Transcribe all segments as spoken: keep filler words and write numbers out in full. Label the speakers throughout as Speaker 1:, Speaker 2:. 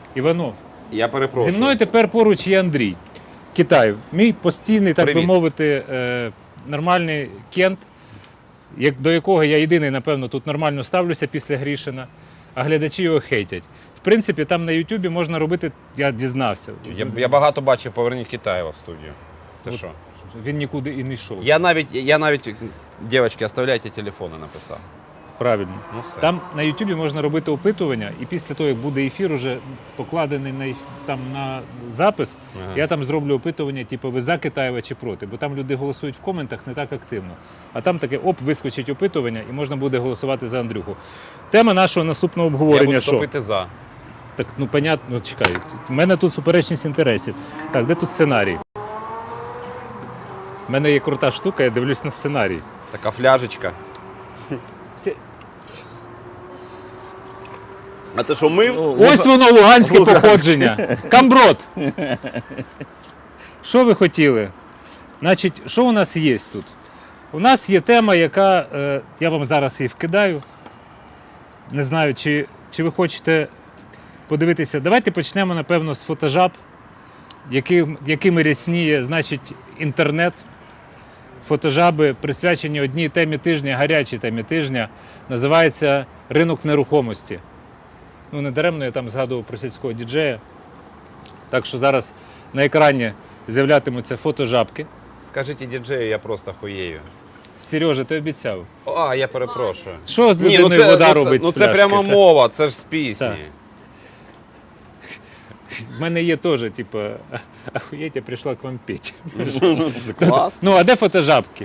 Speaker 1: Іванов.
Speaker 2: Я перепрошую.
Speaker 1: Зі мною тепер поруч є Андрій. Китай. Мій постійний, так
Speaker 2: Привіт.
Speaker 1: би мовити, е, нормальний кент, як, до якого я єдиний, напевно, тут нормально ставлюся після Грішина, а глядачі його хейтять. В принципі, там на Ютубі можна робити, я дізнався.
Speaker 2: Я, я багато бачив «Поверніть Китаєва» в студію. Ти
Speaker 1: От.
Speaker 2: що?
Speaker 1: Він нікуди і не йшов.
Speaker 2: Я навіть, я навіть, дівчатки, оставляйте телефони, написав.
Speaker 1: Правильно.
Speaker 2: Ну все.
Speaker 1: Там на Ютубі можна робити опитування, і після того, як буде ефір, уже покладений на, еф- там, на запис,
Speaker 2: Ага.
Speaker 1: я там зроблю опитування, типу, ви за Китаєва чи проти. Бо там люди голосують в коментах не так активно. А там таке, оп, вискочить опитування, і можна буде голосувати за Андрюху. Тема нашого наступного
Speaker 2: Я
Speaker 1: обговорення,
Speaker 2: буду
Speaker 1: що?
Speaker 2: топити за.
Speaker 1: Так, ну, понятно, ну, чекай. У мене тут суперечність інтересів. Так, де тут сценарій? У мене є крута штука, я дивлюсь на сценарій.
Speaker 2: Така фляжечка.
Speaker 1: Всі-
Speaker 2: А ти що, мив?
Speaker 1: Ось воно, луганське походження. Камброд. Що ви хотіли? Значить, що у нас є тут? У нас є тема, яка, е, я вам зараз її вкидаю. Не знаю, чи, чи ви хочете подивитися. Давайте почнемо, напевно, з фотожаб, яким, якими рясніє, значить, інтернет. Фотожаби присвячені одній темі тижня, гарячій темі тижня. Називається «Ринок нерухомості». Ну, не даремно я там згадував про сільського діджея. Так що зараз на екрані з'являтимуться фотожабки.
Speaker 2: Скажіть діджею, я просто хуєю.
Speaker 1: Сережа, ти обіцяв.
Speaker 2: А, я перепрошую.
Speaker 1: Що з
Speaker 2: Ні,
Speaker 1: людиною
Speaker 2: ну це,
Speaker 1: вода
Speaker 2: ну, це,
Speaker 1: робить
Speaker 2: ну
Speaker 1: з
Speaker 2: це
Speaker 1: пляшки?
Speaker 2: прямо
Speaker 1: Та-
Speaker 2: мова, це ж з пісні.
Speaker 1: Так. В мене є теж, типу, ахуєть, я прийшла к вам петь.
Speaker 2: Ну, це клас.
Speaker 1: Ну, а де фотожабки?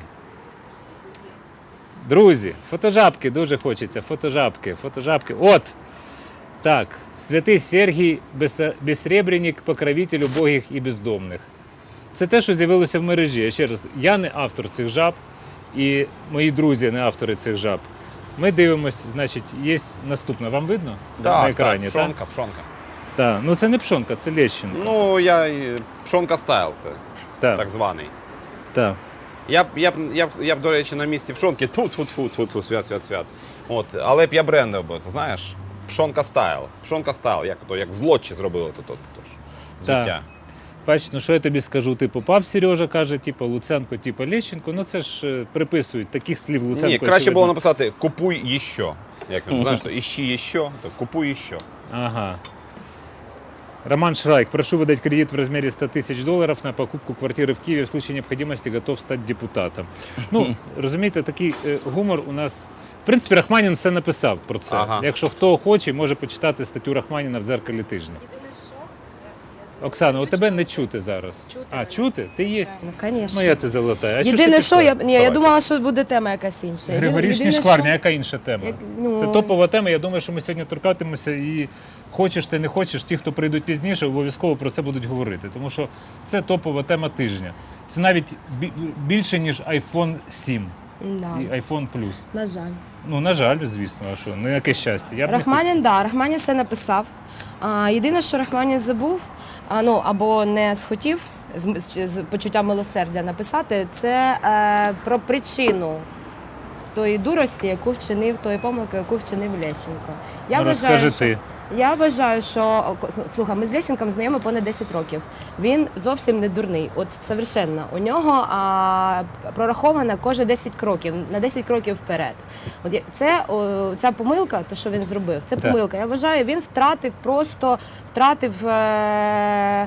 Speaker 1: Друзі, фотожабки дуже хочеться. Фотожабки, фотожабки. От! Так, святий Сергій Беса- Безсребренік, покровитель убогих і бездомних. Це те, що з'явилося в мережі. Я ще раз, я не автор цих жаб, і мої друзі не автори цих жаб. Ми дивимося, значить, є наступне. Вам видно?
Speaker 2: Так,
Speaker 1: на екрані,
Speaker 2: так,
Speaker 1: так?
Speaker 2: пшонка, пшонка.
Speaker 1: Так, ну це не пшонка, це Лещенко.
Speaker 2: Ну, я і- пшонка стайл, це
Speaker 1: так,
Speaker 2: так званий.
Speaker 1: так.
Speaker 2: Я б, я б, я б, я б, до речі, на місці пшонки тут-тут-тут, свят, свят, свят. От, але б я брендив би, це знаєш, пшонка стайл. Пшонка стайл, як то, як злочі зробили тут, тут, тут взуття.
Speaker 1: Бач, ну що я тобі скажу, ти попав, Сережа каже, типу Луценко, типу Лещенко, ну це ж е, приписують таких слів Луценко.
Speaker 2: Ні, краще
Speaker 1: очевидно.
Speaker 2: було написати «купуй іще». Як там, знаєш, то «іщи іще», то «купуй іще».
Speaker 1: Ага. Роман Шрайк, прошу выдать кредит в размере ста тысяч долларов на покупку квартиры в Киеве. В случае необходимости готов стать депутатом. Ну, розумієте, такий е, гумор у нас... В принципі, Рахманін все написав про це.
Speaker 2: Ага.
Speaker 1: Якщо хто хоче, може почитати статтю Рахманіна в «Дзеркалі тижня».
Speaker 3: Єдине що,
Speaker 1: Оксана, у тебе не чути зараз.
Speaker 3: Чути
Speaker 1: А,
Speaker 3: мене.
Speaker 1: чути? Ти є?
Speaker 3: ну, звісно.
Speaker 1: Моя ти золота. А що ж
Speaker 3: Єдине,
Speaker 1: ти
Speaker 3: що,
Speaker 1: пішла?
Speaker 3: я, ні, я
Speaker 2: Давай.
Speaker 3: думала, що буде тема якась інша. Єдине-
Speaker 1: Григорішні
Speaker 3: єдине,
Speaker 1: шкварні,
Speaker 3: що-
Speaker 1: яка інша тема?
Speaker 3: Як- ну-
Speaker 1: Це топова тема, я думаю, що ми сьогодні торкатимемося і хочеш ти не хочеш, ті, хто прийдуть пізніше, обов'язково про це будуть говорити. Тому що це топова тема тижня. Це навіть бі- більше, ніж айфон сім
Speaker 3: Да.
Speaker 1: і айфон Plus.
Speaker 3: На жаль.
Speaker 1: Ну, на жаль, звісно, а що, ну яке щастя. Я б не
Speaker 3: Рахманін, да, Рахманін все написав. А, єдине, що Рахманін забув, а, ну, або не схотів з, з, з почуттям милосердя написати, це е, про причину тої дурості, яку вчинив, тої помилки, яку вчинив Лещенко. Я
Speaker 1: Ну,
Speaker 3: вважаю,
Speaker 1: розкажи
Speaker 3: що,
Speaker 1: ти.
Speaker 3: я вважаю, що слухай, ми з Лещенком знайомі понад десять років. Він зовсім не дурний. От совершенно. У нього а, прораховано кожні десять кроків, на десять кроків вперед. От я- це о, ця помилка, то що він зробив, це
Speaker 1: Так.
Speaker 3: помилка. Я вважаю, він втратив просто втратив. Е,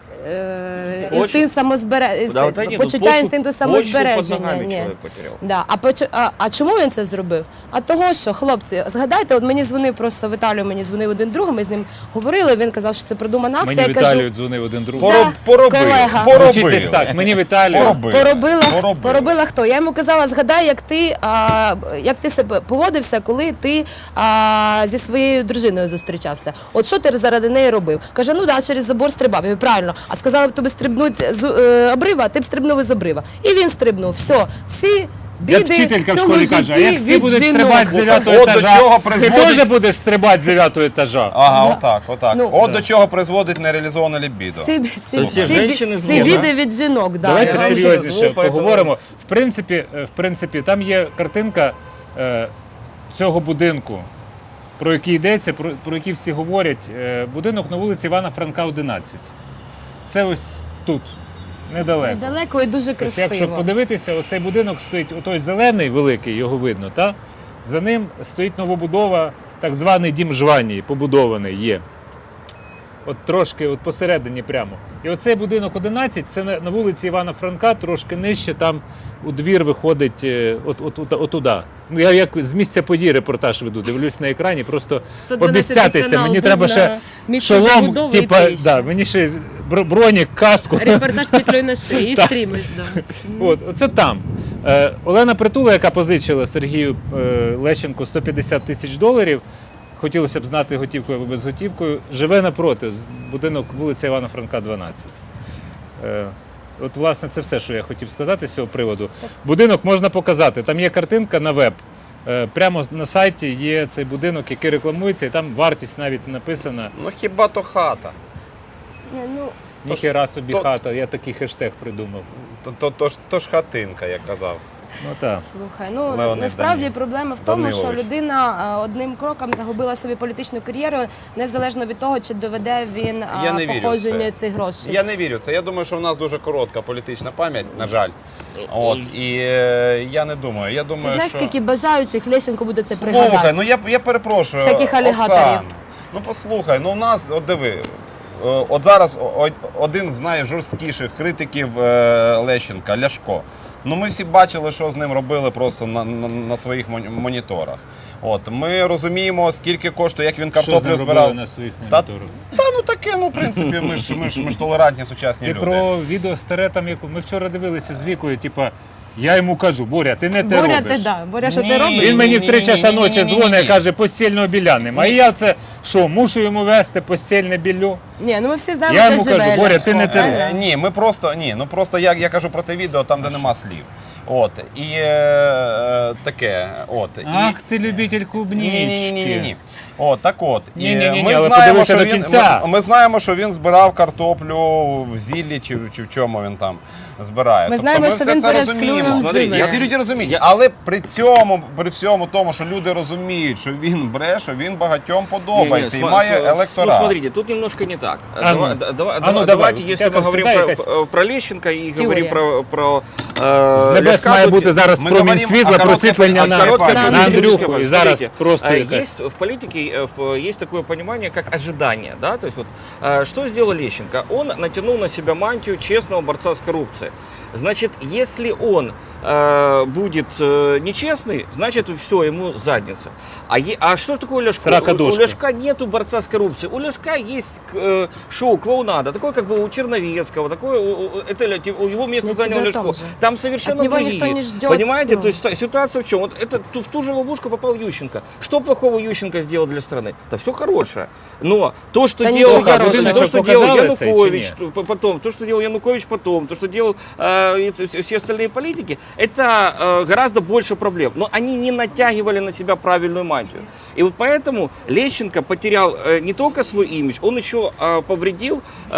Speaker 3: е,
Speaker 4: Почву.
Speaker 3: інстинкт самозбереження,
Speaker 4: Да, вот эти,
Speaker 3: почуття
Speaker 4: ну, почву-
Speaker 3: інстинкту
Speaker 4: почву под
Speaker 3: самозбереження.
Speaker 4: ногами
Speaker 3: Ні.
Speaker 4: человек потерял.
Speaker 3: Да. А, поч- а, а чому він це зробив? А того, що, хлопці, згадайте, от мені дзвонив просто в Італію, мені дзвонив один друг, ми з ним говорили, він казав, що це продумана акція.
Speaker 1: Мені
Speaker 3: Я кажу,
Speaker 1: Віталію дзвонив один друг.
Speaker 2: Пороб, поробив,
Speaker 3: колега.
Speaker 1: Звучить десь
Speaker 2: поробив.
Speaker 1: так, мені Віталію.
Speaker 2: Поробив.
Speaker 3: Поробила,
Speaker 2: Поробив.
Speaker 3: поробила хто? Я йому казала, згадай, як ти, а, як ти себе поводився, коли ти а, зі своєю дружиною зустрічався. От що ти заради неї робив? Каже, ну да, через забор стрибав. Я говорю, правильно. А сказала б тобі стрибнути з е, обрива, ти б стрибнув із обрива. І він стрибнув. Все, всі біди
Speaker 1: Як вчителька в
Speaker 3: цьому
Speaker 1: школі каже, а
Speaker 3: житті
Speaker 1: як всі
Speaker 3: від
Speaker 1: будуть
Speaker 3: жінок.
Speaker 1: стрибати з дев'ятого
Speaker 2: От до
Speaker 1: етажа,
Speaker 2: чого
Speaker 1: ти
Speaker 2: призводить-
Speaker 1: теж будеш стрибати з дев'ятого етажа.
Speaker 2: Ага, отак, отак.
Speaker 3: Ну,
Speaker 2: От
Speaker 1: да.
Speaker 2: до чого призводить нереалізоване лібідо.
Speaker 3: Всі, всі,
Speaker 4: Це
Speaker 3: всі,
Speaker 4: всі жінки
Speaker 3: всі
Speaker 4: зло,
Speaker 3: біди
Speaker 4: да?
Speaker 3: від жінок. Да.
Speaker 1: Давайте
Speaker 4: Я вам
Speaker 1: серйозніше
Speaker 4: ще зло,
Speaker 1: поговоримо. В принципі, е, в принципі, там є картинка е, цього будинку. про який йдеться, про, про який всі говорять. Е, Будинок на вулиці Івана Франка, одинадцять. Це ось тут, недалеко.
Speaker 3: Далеко і дуже
Speaker 1: Тобто, якщо
Speaker 3: красиво.
Speaker 1: подивитися, оцей будинок стоїть, отой зелений великий, його видно, та? За ним стоїть новобудова, так званий дім Жванії, побудований є. От трошки, от посередині прямо. І оцей будинок одинадцять, це на, на вулиці Івана Франка, трошки нижче, там у двір виходить е, от, от, от, отуда. Ну, я як з місця події репортаж веду, дивлюсь на екрані, просто
Speaker 3: сто дванадцятий
Speaker 1: обіцятися.
Speaker 3: канал
Speaker 1: Мені
Speaker 3: був
Speaker 1: треба
Speaker 3: на
Speaker 1: ще
Speaker 3: місці
Speaker 1: шолом,
Speaker 3: забудови і
Speaker 1: типа,
Speaker 3: тріщин.
Speaker 1: да, мені ще бро- бронік, каску.
Speaker 3: Репортаж з петлею на шиї і
Speaker 1: Так.
Speaker 3: стрімиш. Да.
Speaker 1: От, оце там. Е, Олена Притула, яка позичила Сергію е, Лещенку сто п'ятдесят тисяч доларів, хотілося б знати готівкою або безготівкою, живе напроти, з- будинок вулиця Івана Франка, дванадцять. Е, от, власне, це все, що я хотів сказати з цього приводу. Будинок можна показати. Там є картинка на веб. Е, прямо на сайті є цей будинок, який рекламується, і там вартість навіть написана.
Speaker 2: Ну хіба то хата?
Speaker 3: Ні, ну,
Speaker 1: Ніхера собі
Speaker 2: то-
Speaker 1: хата, я такий хештег придумав.
Speaker 2: То, то, то, ж, то ж хатинка, як казав.
Speaker 1: Ну так.
Speaker 3: слухай, ну
Speaker 2: Леонід
Speaker 3: насправді
Speaker 2: Данилович.
Speaker 3: проблема в тому, що
Speaker 2: Данилович.
Speaker 3: людина е, одним кроком загубила собі політичну кар'єру, незалежно від того, чи доведе він е,
Speaker 2: Я не вірю в
Speaker 3: походження
Speaker 2: це.
Speaker 3: цих грошей.
Speaker 2: Я не вірю в це. Я думаю, що в нас дуже коротка політична пам'ять, на жаль. От, і е, я не думаю. Я думаю,
Speaker 3: Ти знаєш,
Speaker 2: що...
Speaker 3: скільки бажаючих Лещенко буде це
Speaker 2: Слухай,
Speaker 3: пригадати?
Speaker 2: ну я, я перепрошую.
Speaker 3: Всяких алігаторів.
Speaker 2: Оксан, ну послухай, ну у нас, от диви, е, от зараз о- один з найжорсткіших критиків е, Лещенка, Ляшко. Ну ми всі бачили, що з ним робили просто на, на, на своїх мон- моніторах. От, ми розуміємо, скільки коштує, як він
Speaker 1: Що з
Speaker 2: картоплю
Speaker 1: ним
Speaker 2: збирав.
Speaker 1: робили на своїх
Speaker 2: Та-
Speaker 1: моніторах?
Speaker 2: Та ну таке, ну в принципі, ми ж, ми ж, ми ж толерантні сучасні
Speaker 1: Ти
Speaker 2: люди.
Speaker 1: про відео старе, там, яку ми вчора дивилися з Вікою, типа, я йому кажу, Боря, ти не те
Speaker 3: Боря,
Speaker 1: робиш.
Speaker 3: ти да. Боря, що
Speaker 2: Ні.
Speaker 3: ти робиш?
Speaker 1: Він мені в три часа ночі
Speaker 2: Ні-ні-ні-ні-ні-ні.
Speaker 1: дзвонить і каже, постільного біля нема. А я це, що, мушу йому вести постільне білю?
Speaker 3: Ні, ну ми всі знаємо,
Speaker 1: Я
Speaker 3: де
Speaker 1: йому
Speaker 3: живе
Speaker 1: кажу, Боря,
Speaker 3: Ляшко,
Speaker 1: ти не те
Speaker 3: правильно?
Speaker 2: Е, Ні, ми просто ні, ну просто я, я кажу про те відео, там де нема слів. От і е, таке. От
Speaker 1: Ах, ти любитель клубнічки.
Speaker 2: ні, ні, ні, ні, ні. От так от. І
Speaker 1: Ні-ні-ні,
Speaker 2: ми
Speaker 1: але
Speaker 2: знаємо,
Speaker 1: подивися
Speaker 2: що
Speaker 1: до
Speaker 2: він
Speaker 1: кінця.
Speaker 2: ми, ми знаємо, що він збирав картоплю в зіллі чи, чи в чому він там збирає.
Speaker 3: Ми
Speaker 2: Тобто
Speaker 3: знаємо,
Speaker 2: ми
Speaker 3: що
Speaker 2: все
Speaker 3: він
Speaker 2: це
Speaker 3: перед
Speaker 2: розуміємо.
Speaker 3: клювом
Speaker 4: Смотри,
Speaker 3: живе.
Speaker 4: я-
Speaker 2: Всі люди розуміють,
Speaker 4: Я-
Speaker 2: але при цьому, при всьому тому, що люди розуміють, що він бреше, він багатьом подобається і
Speaker 4: Не, не,
Speaker 2: має
Speaker 4: сма-
Speaker 2: електорат.
Speaker 4: Ну, смотрите, тут немножко не так.
Speaker 1: А ну.
Speaker 4: Давай- да- давай-
Speaker 1: А ну,
Speaker 4: давай-
Speaker 1: давай,
Speaker 4: Давайте,
Speaker 1: вот
Speaker 4: если
Speaker 1: это
Speaker 4: мы говорим
Speaker 1: всегда
Speaker 4: про,
Speaker 1: якась-
Speaker 4: про Лещенко и
Speaker 3: Теория.
Speaker 4: говорим про, про э,
Speaker 1: З небес
Speaker 4: Ляшка,
Speaker 1: має
Speaker 4: то
Speaker 1: бути зараз
Speaker 2: Ми
Speaker 1: промінь
Speaker 2: говоримо
Speaker 1: світла,
Speaker 2: о короткій
Speaker 1: просвітлення
Speaker 2: політичній
Speaker 1: на,
Speaker 2: пам'яті.
Speaker 1: на
Speaker 4: Короткая
Speaker 1: Андрюху.
Speaker 4: политическая
Speaker 1: І
Speaker 4: память.
Speaker 1: зараз
Speaker 4: Смотрите,
Speaker 1: просто
Speaker 4: э,
Speaker 1: якась...
Speaker 4: есть в политике э, в- есть такое понимание, как ожидание, да, то есть вот э, что сделал Лещенко? Он натянул на себя мантию честного борца с коррупцией. Значит, если он э, будет э, нечестный, значит, все, ему задница. А, е- а что такое Ляшко?
Speaker 1: Сорокодошка.
Speaker 4: У Ляшка нету борца с коррупцией. У Ляшка есть э, шоу клоунада, такое как бы у Черновецкого, такое, у- у- это ля- у его место
Speaker 3: Я
Speaker 4: занял
Speaker 3: тебе о
Speaker 4: Ляшко.
Speaker 3: том же.
Speaker 4: Там совершенно
Speaker 3: От него
Speaker 4: другие.
Speaker 3: никто не ждет,
Speaker 4: Понимаете?
Speaker 3: ну.
Speaker 4: То есть та- ситуация в чем? Вот это ту- в ту же ловушку попал Ющенко. Что плохого Ющенко сделал для страны? Да все хорошее. Но то, что
Speaker 3: Да
Speaker 4: делал,
Speaker 3: ничего хорошего.
Speaker 4: то, что
Speaker 1: Показали
Speaker 4: делал
Speaker 1: это или
Speaker 4: Янукович,
Speaker 1: нет?
Speaker 4: то- по- потом, то, что делал Янукович потом, то, что делал э, это все- все остальные политики, это э, гораздо больше проблем. Но они не натягивали на себя правильную мантию. И вот поэтому Лещенко потерял э, не только свой имидж, он еще э, повредил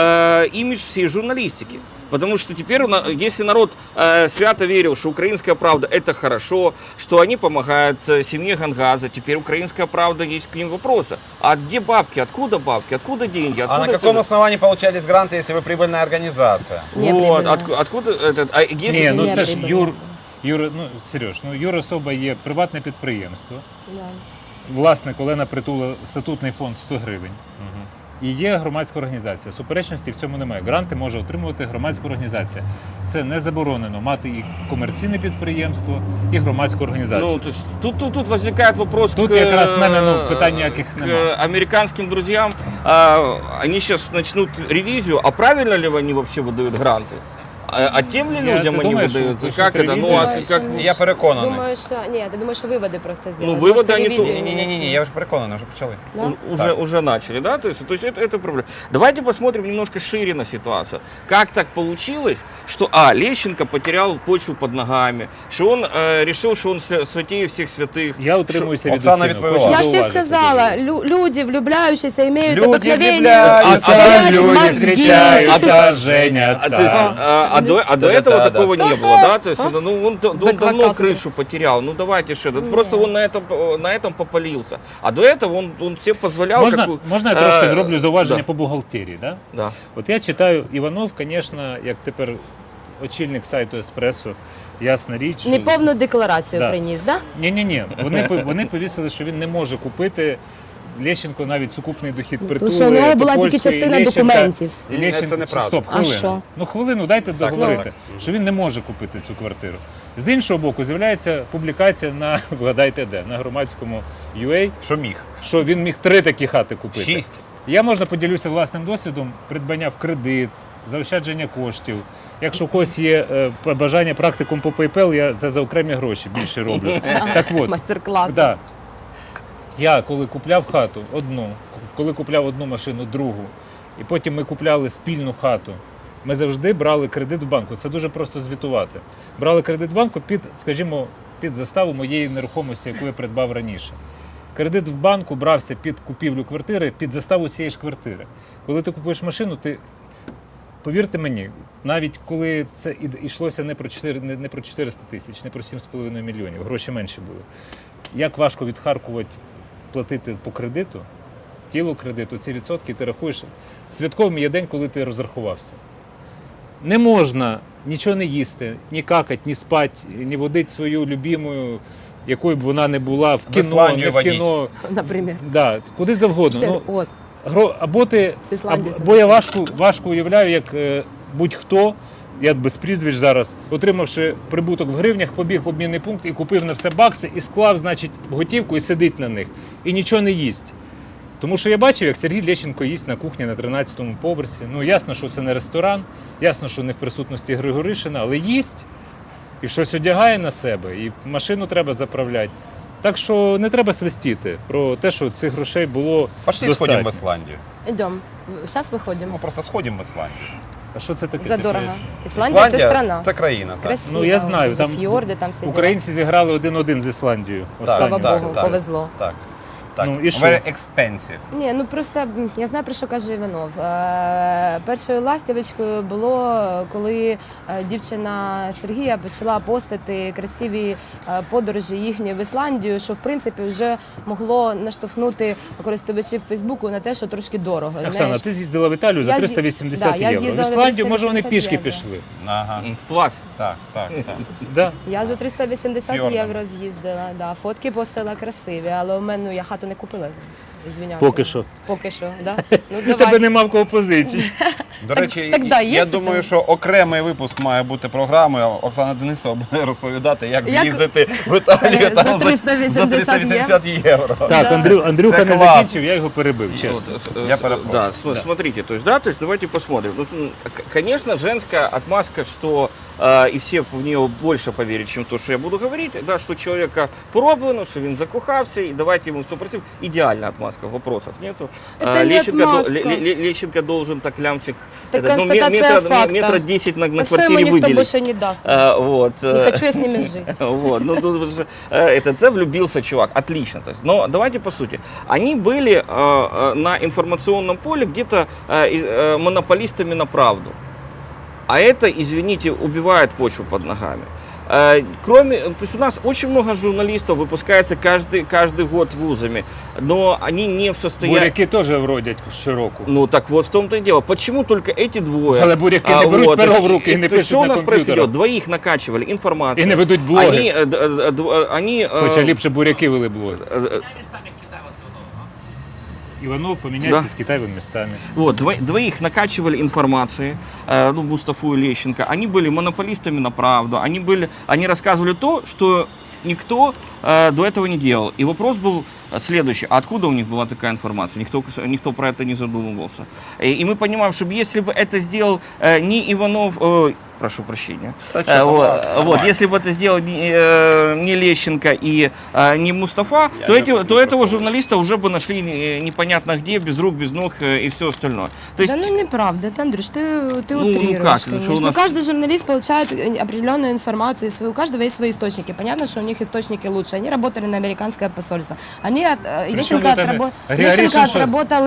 Speaker 4: э, имидж всей журналистики. Потому что теперь, на- если народ э, свято верил, что украинская правда это хорошо, что они помогают э, семье Гангадзе, теперь украинская правда есть к ним вопросы. А где бабки? Откуда бабки? Откуда деньги?
Speaker 2: А
Speaker 4: Откуда
Speaker 2: на каком
Speaker 4: всё это?
Speaker 2: основании получались гранты, если вы прибыльная организация?
Speaker 3: Не
Speaker 4: Вот,
Speaker 3: прибыльно.
Speaker 4: отку- откуда этот, а если
Speaker 1: Ні, ну
Speaker 3: не
Speaker 1: це ж
Speaker 3: прибыльно.
Speaker 1: Юр, Юр, ну, Сереж, ну Юрособа є приватне підприємство.
Speaker 3: Да.
Speaker 1: Власник Олена Притула, статутний фонд сто гривень. І є громадська організація. Суперечності в цьому немає. Гранти може отримувати громадська організація. Це не заборонено мати і комерційне підприємство, і громадську організацію.
Speaker 4: Ну, то есть, тут, тут, тут возникает вопрос
Speaker 1: Тут
Speaker 4: к,
Speaker 1: якраз в мене, ну,
Speaker 4: э,
Speaker 1: питань ніяких
Speaker 4: к
Speaker 1: нема.
Speaker 4: американским друзьям. А, они сейчас начнут ревизию, а правильно ли они вообще выдают гранты? А, а тем ли
Speaker 1: Я-
Speaker 4: людям
Speaker 1: ты
Speaker 4: они
Speaker 1: думаешь,
Speaker 4: выдают?
Speaker 1: что-
Speaker 4: Как
Speaker 1: что
Speaker 4: это? Ну,
Speaker 1: ревизия?
Speaker 4: а
Speaker 3: Думаешь,
Speaker 4: как...
Speaker 3: что-
Speaker 2: Я переконаний.
Speaker 3: Думаю, що ні, ти думаєш, що виводи просто зробили.
Speaker 4: Ну, виводи вони тут-
Speaker 2: Ні, ні, ні, ні, я вже переконаний, вже почали.
Speaker 3: Да?
Speaker 4: У- Уже,
Speaker 2: Так.
Speaker 4: уже начали, да? То есть, то есть это, это проблема. Давайте посмотрим немножко шире на ситуацию. Как так получилось, что, а, Лещенко потерял почву под ногами, что он э, решил, что он свя- святее всех святых.
Speaker 1: Я утримуюся від
Speaker 2: Оксана
Speaker 1: оцінок.
Speaker 2: відповіла.
Speaker 1: Хочу
Speaker 3: Я ж тебе
Speaker 1: зауважити
Speaker 3: сказала,
Speaker 1: дуже.
Speaker 3: лю- люди, влюбляющиеся, имеют
Speaker 2: Люди
Speaker 3: обыкновение
Speaker 2: влюбляются,
Speaker 3: терять
Speaker 1: люди
Speaker 3: мозги.
Speaker 1: встречаются, женятся.
Speaker 4: А, то есть, а, а до, а до
Speaker 2: Да,
Speaker 4: этого
Speaker 2: да,
Speaker 4: такого
Speaker 2: да.
Speaker 4: не было, да? То есть,
Speaker 3: А?
Speaker 4: ну, он, он
Speaker 3: Так
Speaker 4: давно
Speaker 3: рассказывай.
Speaker 4: крышу потерял. Ну, давайте же. да Просто он на этом, на этом попалился. А до этого он, он себе позволял...
Speaker 1: Можна,
Speaker 4: какую-
Speaker 1: можна я трошки
Speaker 4: Е,
Speaker 1: зроблю зауваження
Speaker 4: да.
Speaker 1: по бухгалтерії? Да?
Speaker 4: Да.
Speaker 1: От я читаю Іванов, звісно, як тепер очільник сайту Еспресо, ясна річ. що-
Speaker 3: Неповну декларацію
Speaker 1: Да.
Speaker 3: приніс, да?
Speaker 1: Ні-ні-ні, вони, по- вони повісили, що він не може купити Лещенко навіть сукупний дохід
Speaker 3: Тому
Speaker 1: притули.
Speaker 3: що у нього була тільки
Speaker 1: Топольської,
Speaker 3: частина
Speaker 1: Лещенка-
Speaker 3: документів.
Speaker 1: і
Speaker 2: Ні,
Speaker 1: Лещенко-
Speaker 2: це неправда.
Speaker 1: Стоп,
Speaker 3: А
Speaker 1: хвилину.
Speaker 3: що?
Speaker 1: Ну хвилину, дайте договорити,
Speaker 2: так.
Speaker 1: що він не може купити цю квартиру. З іншого боку, з'являється публікація на, вгадайте де, на громадському ю ей,
Speaker 2: Що міг?
Speaker 1: що він міг три такі хати купити.
Speaker 2: Шість.
Speaker 1: Я, можна поділюся власним досвідом придбання в кредит, заощадження коштів. Якщо у когось є е, бажання практикум по PayPal, я це за окремі гроші більше роблю. Так от,
Speaker 3: Мастер-клас.
Speaker 1: да. Я коли купляв хату одну, коли купляв одну машину, другу, і потім ми купляли спільну хату, ми завжди брали кредит в банку. Це дуже просто звітувати. Брали кредит в банку під, скажімо, під заставу моєї нерухомості, яку я придбав раніше. Кредит в банку брався під купівлю квартири, під заставу цієї ж квартири. Коли ти купуєш машину, ти, повірте мені, навіть коли це і- йшлося не про чотири, не, не про чотириста тисяч, не про сім з половиною мільйонів, гроші менші були. Як важко відхаркувати, платити по кредиту, тілу кредиту, ці відсотки ти рахуєш. Святковим є день, коли ти розрахувався. Не можна нічого не їсти, ні какати, ні спати, ні водити свою любимою, якою б вона не була, в кіно,
Speaker 2: Ісландію
Speaker 1: не в
Speaker 2: водіть.
Speaker 1: кіно.
Speaker 3: Наприклад.
Speaker 1: Да, куди завгодно.
Speaker 3: Все,
Speaker 1: Ну,
Speaker 3: от.
Speaker 1: гро- або ти,
Speaker 3: З Ісландії
Speaker 1: або, або я
Speaker 3: сьогодні.
Speaker 1: важко, важко уявляю, як е, будь-хто, я без прізвищ зараз, отримавши прибуток в гривнях, побіг в обмінний пункт і купив на все бакси, і склав, значить, в готівку і сидить на них. І нічого не їсть. Тому що я бачив, як Сергій Лещенко їсть на кухні на тринадцятому поверсі. Ну, ясно, що це не ресторан, ясно, що не в присутності Григоришина, але їсть і щось одягає на себе, і машину треба заправляти. Так що не треба свистіти про те, що цих грошей було
Speaker 2: Пошли
Speaker 1: достатньо.
Speaker 2: сходимо в Ісландію.
Speaker 3: Йдемо. Зараз
Speaker 2: Ну,
Speaker 3: виходимо.
Speaker 2: просто сходимо в Ісландію.
Speaker 1: А що це таке? ти
Speaker 3: Задорого.
Speaker 1: поясни?
Speaker 3: Ісландія це страна.
Speaker 2: це країна. Так.
Speaker 3: Красиво.
Speaker 1: Ну, я знаю,
Speaker 3: Дуже
Speaker 1: там
Speaker 3: фьорди, там все.
Speaker 1: Українці зіграли один-один з Ісландією.
Speaker 2: Так,
Speaker 3: Слава
Speaker 1: останнім.
Speaker 3: Богу,
Speaker 2: так.
Speaker 3: повезло.
Speaker 2: Так. Так.
Speaker 1: Ну, і що?
Speaker 2: Very expensive.
Speaker 3: Ні, ну просто м, я знаю, про що каже Іванов. Е, першою ластівочкою було, коли е, дівчина Сергія почала постити красиві е, подорожі їхні в Ісландію, що в принципі вже могло наштовхнути користувачів Фейсбуку на те, що трошки дорого.
Speaker 1: Оксана,
Speaker 3: Знаєш,
Speaker 1: ти з'їздила в Італію за
Speaker 3: Я з'ї-
Speaker 1: триста вісімдесят
Speaker 3: да, я
Speaker 1: євро. В
Speaker 3: з'їздила за
Speaker 1: Ісландію, може, вони
Speaker 3: триста вісімдесят
Speaker 1: пішки
Speaker 3: євро.
Speaker 1: пішли.
Speaker 2: Ага.
Speaker 4: Плавь.
Speaker 2: Так, так, так.
Speaker 1: Да?
Speaker 3: Я за триста вісімдесят
Speaker 2: Фьордом.
Speaker 3: євро з'їздила. Да. Фотки постила красиві, але у мене ну, я хату не купила. Звіняюся.
Speaker 1: Поки що.
Speaker 3: Поки що, да? Ну,
Speaker 1: Тебе
Speaker 3: давай.
Speaker 1: нема в кого позичити.
Speaker 2: До речі,
Speaker 3: так, да, є
Speaker 2: я
Speaker 3: це
Speaker 2: думаю,
Speaker 3: там?
Speaker 2: що окремий випуск має бути програмою. Оксана Денисова буде розповідати, як,
Speaker 3: Як-
Speaker 2: з'їздити в Італію
Speaker 3: За
Speaker 2: там
Speaker 3: триста вісімдесят
Speaker 2: за триста вісімдесят євро.
Speaker 1: Так, Андрю, Андрюха
Speaker 2: Це
Speaker 1: не
Speaker 2: клас.
Speaker 1: закінчив, я його перебив, чесно.
Speaker 4: Вот, э,
Speaker 2: Я
Speaker 4: с-
Speaker 2: перепрошую.
Speaker 4: да, см- смотрите, то есть, да, то есть давайте посмотрим. Ну, м, к- конечно, женская отмазка, что э, и все в нее больше поверят, чем то, что я буду говорить, да, что человека пороблено, что він закохався, и давайте ему все против. Идеальная отмазка, вопросов нету.
Speaker 3: Это
Speaker 4: А,
Speaker 3: не
Speaker 4: Лещенко, до-
Speaker 3: отмазка.
Speaker 4: Ле- Ле- Лещенко должен так лямчик,
Speaker 3: Это
Speaker 4: этот, ну, ме-
Speaker 3: констатация
Speaker 4: метра,
Speaker 3: факта.
Speaker 4: метра десять на, на
Speaker 3: А все ему
Speaker 4: квартире
Speaker 3: никто
Speaker 4: выделить.
Speaker 3: больше не даст.
Speaker 4: А, вот.
Speaker 3: Не
Speaker 4: э,
Speaker 3: хочу я с ними жить.
Speaker 4: Вот, ну, тут же, э, это, это влюбился чувак, отлично. То есть, но давайте по сути. Они были э, э, на информационном поле где-то э, и- э, монополистами на правду. А это, извините, убивает почву под ногами. Э, Кроме, то есть у нас очень много журналистов выпускается каждый, каждый год вузами, но они не в состоянии...
Speaker 1: Буряки теж вродять щороку.
Speaker 4: Ну так вот в том-то и дело. Почему только эти двое?
Speaker 1: Але буряки не беруть
Speaker 4: то
Speaker 1: перо
Speaker 4: есть,
Speaker 1: в руки і не
Speaker 4: то есть,
Speaker 1: пишуть
Speaker 4: что у
Speaker 1: на
Speaker 4: нас
Speaker 1: комп'ютерах.
Speaker 4: происходит? Двоих накачивали информацию.
Speaker 1: І не ведуть блоги.
Speaker 4: Они, э, д- э, д- э, они, э,
Speaker 1: Хоча ліпше буряки вели блоги.
Speaker 4: э, э,
Speaker 1: Іванов поміняється
Speaker 4: Да.
Speaker 1: з Китаєвими містами.
Speaker 4: Вот, дво- двоих накачивали информацией, э, ну, Мустафу и Лещенко. Они были монополистами на правду. Они, были, они рассказывали то, что никто э, до этого не делал. И вопрос был следующий. А откуда у них была такая информация? Никто, никто про это не задумывался. И, и мы понимаем, что если бы это сделал э, не Иванов... э, прошу прощения.
Speaker 2: Да
Speaker 4: Э,
Speaker 2: чё там,
Speaker 4: вот,
Speaker 2: ладно,
Speaker 4: вот,
Speaker 2: нормально.
Speaker 4: если бы это сделал не, э, не Лещенко и э, не Мустафа,
Speaker 2: Я
Speaker 4: то,
Speaker 2: не-
Speaker 4: эти,
Speaker 2: не
Speaker 4: то этого
Speaker 2: пропомню.
Speaker 4: журналиста уже бы нашли э, непонятно где, без рук, без ног э, и все остальное. То есть,
Speaker 3: Да ну неправда, ты, Андрюш, ты, ты
Speaker 4: Ну, ну
Speaker 3: утрируешь,
Speaker 4: как, ну, что у
Speaker 3: конечно.
Speaker 4: нас-
Speaker 3: Каждый журналист получает определенную информацию, свою, у каждого есть свои источники. Понятно, что у них источники лучше. Они работали на американское посольство. Они от, э,
Speaker 1: Причем
Speaker 3: Лещенко,
Speaker 1: это
Speaker 3: отрабо-
Speaker 1: Григоришин
Speaker 3: Лещенко
Speaker 1: что?
Speaker 3: отработал им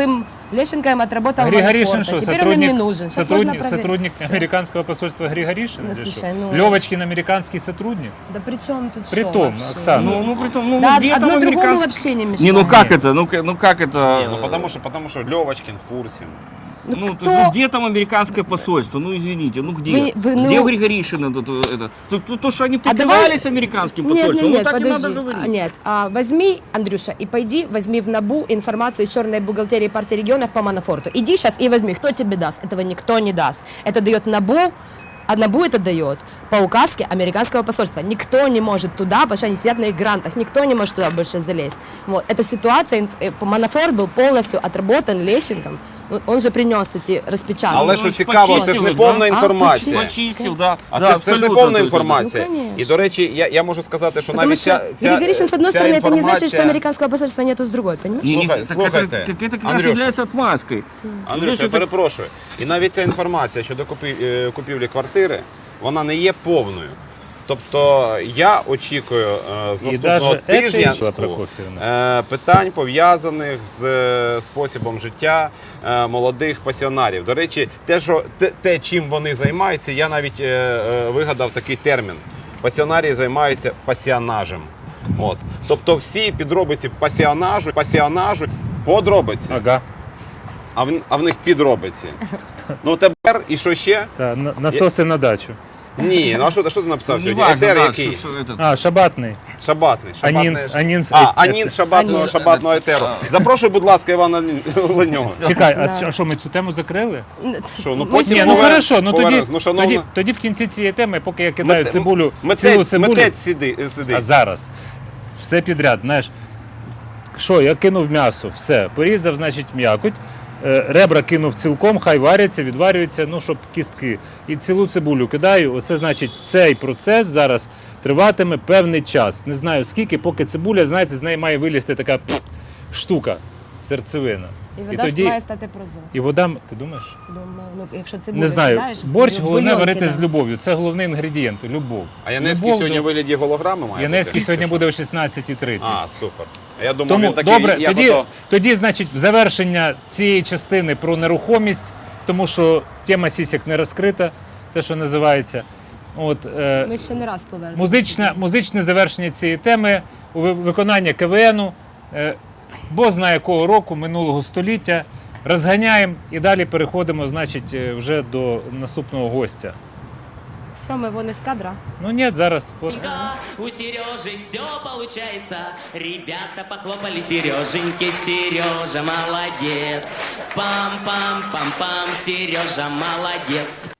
Speaker 3: Лещенко им отработал
Speaker 1: Григоришин
Speaker 3: Манфорта,
Speaker 1: что,
Speaker 3: теперь он им не
Speaker 1: сотрудник,
Speaker 3: нужен. Сейчас
Speaker 1: сотрудник,
Speaker 3: можно проверить.
Speaker 1: сотрудник
Speaker 3: Всё.
Speaker 1: американского посольства Григоришин?
Speaker 3: Ну,
Speaker 1: или
Speaker 3: слушай,
Speaker 1: что?
Speaker 3: ну-
Speaker 1: Левочкин американский сотрудник?
Speaker 3: Да при чем тут
Speaker 1: При
Speaker 3: шо
Speaker 1: том,
Speaker 3: вообще?
Speaker 1: Оксана.
Speaker 4: Ну, ну, при том, ну,
Speaker 3: Да,
Speaker 4: где
Speaker 3: одно
Speaker 4: там
Speaker 3: другому
Speaker 4: американский...
Speaker 3: вообще не
Speaker 4: Не,
Speaker 3: мешает.
Speaker 4: ну как это? Ну, к- ну как это?
Speaker 2: Ні, ну потому що, потому що Льовочкін в курсі.
Speaker 4: Ну,
Speaker 3: кто-
Speaker 4: то есть, ну, где там американское посольство? Ну, извините, ну где?
Speaker 3: Вы- вы, ну-
Speaker 4: Где у Григоришина тут, э, это? То, то, то, что они
Speaker 3: А
Speaker 4: прикрывались
Speaker 3: давай-
Speaker 4: американским
Speaker 3: Нет,
Speaker 4: посольством,
Speaker 3: нет, нет,
Speaker 4: ну так
Speaker 3: подожди.
Speaker 4: и надо говорить.
Speaker 3: А, Нет, а, возьми, Андрюша, и пойди, возьми в НАБУ информацию из черной бухгалтерии партии регионов по Манафорту. Иди сейчас и возьми. Кто тебе даст? Этого никто не даст. Это дает НАБУ, а НАБУ это дает по указке американского посольства. Никто не может туда, потому что они сидят на их грантах, никто не может туда больше залезть. Вот. Эта ситуация, инф- э, Манафорт был полностью отработан Лещенком. Вот он же принес эти распечатки.
Speaker 2: Але
Speaker 4: Ну,
Speaker 2: що
Speaker 4: ж
Speaker 2: цікаво, це ж
Speaker 4: почистили,
Speaker 2: не
Speaker 4: да?
Speaker 2: повна
Speaker 3: А,
Speaker 2: інформація.
Speaker 4: Почистил, да.
Speaker 2: А
Speaker 4: да,
Speaker 2: це, це ж не
Speaker 4: абсолютно,
Speaker 2: повна
Speaker 4: то есть,
Speaker 2: інформація.
Speaker 3: Ну, конечно.
Speaker 2: І, до речі, я, я можу сказати, що
Speaker 3: Потому
Speaker 2: навіть
Speaker 3: что
Speaker 2: ця, ця,
Speaker 3: Григоришин, с одной
Speaker 2: ця
Speaker 3: стороны, это не значит, что
Speaker 2: інформація-
Speaker 3: американского посольства нету с другой, понимаешь?
Speaker 4: Не, не,
Speaker 2: Слухай-
Speaker 4: так,
Speaker 2: слухайте,
Speaker 4: это, так это как раз
Speaker 2: Андрюша.
Speaker 4: является отмазкой.
Speaker 2: Андрюш,
Speaker 4: Видишь,
Speaker 2: я
Speaker 4: это-
Speaker 2: перепрошую. І навіть ця інформація щодо купі- е, купівлі квартири, вона не є повною. Тобто я очікую е, з
Speaker 1: І
Speaker 2: наступного
Speaker 1: даже це
Speaker 2: тижня
Speaker 1: йшла Прокоф'євна.
Speaker 2: е, питань, пов'язаних з е, способом життя е, молодих пасіонарів. До речі, те, що, те, те, чим вони займаються, я навіть е, е, вигадав такий термін. Пасіонарії займаються пасіонажем. От. Тобто всі підробиці пасіонажу, пасіонажу, подробиці.
Speaker 1: Ага.
Speaker 2: А в, а в них підробиці. Ну тепер і що ще?
Speaker 1: Та, на- насоси на дачу.
Speaker 2: Ні, ну а що, ти- що ти написав
Speaker 4: Не
Speaker 2: сьогодні?
Speaker 4: важно,
Speaker 2: Етер
Speaker 4: да,
Speaker 2: який?
Speaker 4: что- что это.
Speaker 1: А, шабатний.
Speaker 2: Шабатний. шабатний.
Speaker 1: Анінс- анінс-
Speaker 2: а,
Speaker 1: е-
Speaker 2: анінс шабатного,
Speaker 3: Анінс.
Speaker 2: шабатного етеру. Запрошуй, будь ласка, Івана Ленього.
Speaker 1: Чекай, а
Speaker 3: Да.
Speaker 1: що- а що ми цю тему закрили?
Speaker 2: Що, ну
Speaker 3: Ми
Speaker 2: потім
Speaker 1: Ні,
Speaker 3: сьогодні-
Speaker 1: ну
Speaker 2: повер-
Speaker 1: хорошо, ну тоді,
Speaker 2: повернемось. Ну, шановна,
Speaker 1: тоді, тоді в кінці цієї теми, поки я кидаю
Speaker 2: мете-
Speaker 1: цибулю,
Speaker 2: митець-
Speaker 1: цілу цибулю,
Speaker 2: Митець сиди, сидить.
Speaker 1: а зараз все підряд, знаєш, що, я кинув м'ясо, все, порізав, значить, м'якоть, е, ребра кинув цілком, хай варяться, відварюються, ну, щоб кістки. І цілу цибулю кидаю, оце значить, цей процес зараз триватиме певний час. Не знаю скільки, поки цибуля, знаєте, з неї має вилізти така пф, штука, серцевина.
Speaker 3: І вода має стати прозора.
Speaker 1: І вода, ти думаєш?
Speaker 3: Думаю, ну, якщо це
Speaker 1: Не знаю. Борщ головне варити
Speaker 3: кидати
Speaker 1: з любов'ю. Це головний інгредієнт любов.
Speaker 2: А Яневський
Speaker 1: Любов
Speaker 2: сьогодні
Speaker 1: до-
Speaker 2: в вигляді голограми має
Speaker 1: Яневський
Speaker 2: бути?
Speaker 1: сьогодні буде о шістнадцятій тридцять.
Speaker 2: А, супер. А я думав,
Speaker 1: Тому
Speaker 2: він такий,
Speaker 1: добре,
Speaker 2: як
Speaker 1: тоді,
Speaker 2: ото-
Speaker 1: тоді, значить, в завершення цієї частини про нерухомість, тому що тема сісік не розкрита, те, що називається. От, е,
Speaker 3: Ми ще не раз повернемося.
Speaker 1: музичне, музичне завершення цієї теми у ви- виконання КВНу, е, бо знає якого року, минулого століття. Розганяємо і далі переходимо, значить, е, вже до наступного гостя.
Speaker 3: Все, ми вон із кадра.
Speaker 1: Ну ні, зараз. От.
Speaker 5: У Сережи все получается. Ребята похлопали Сереженьке, Сережа молодец. Пам-пам-пам-пам, Сережа молодец.